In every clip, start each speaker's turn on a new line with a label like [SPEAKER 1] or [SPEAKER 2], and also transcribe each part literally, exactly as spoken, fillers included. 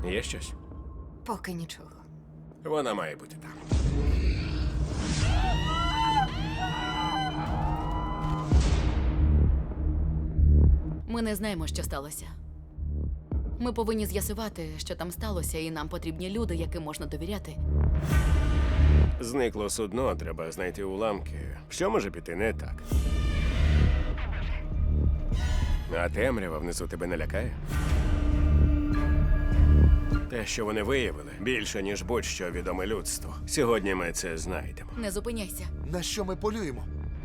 [SPEAKER 1] Є щось?
[SPEAKER 2] Поки нічого.
[SPEAKER 1] Вона має бути там.
[SPEAKER 3] Ми не знаємо, що сталося. Ми повинні з'ясувати, що там сталося, і нам потрібні люди, яким можна довіряти.
[SPEAKER 1] Зникло судно, треба знайти уламки. Що може піти не так? А темрява внизу тебе не лякає? Те, що вони виявили, більше, ніж будь-що відоме людству. Сьогодні ми це знайдемо.
[SPEAKER 3] Не зупиняйся.
[SPEAKER 4] На що ми полюємо?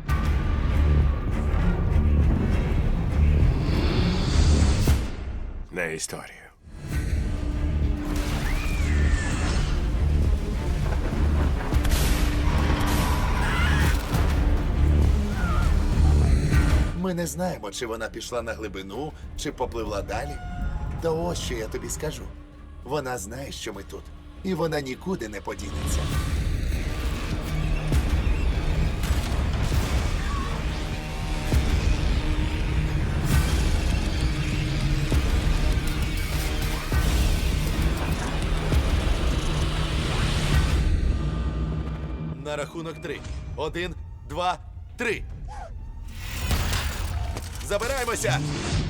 [SPEAKER 1] На історію.
[SPEAKER 4] Ми не знаємо, чи вона пішла на глибину, чи попливла далі. Та ось що я тобі скажу. Вона знає, що ми тут. І вона нікуди не подінеться. На рахунок три. Один, два, три. Забираємося!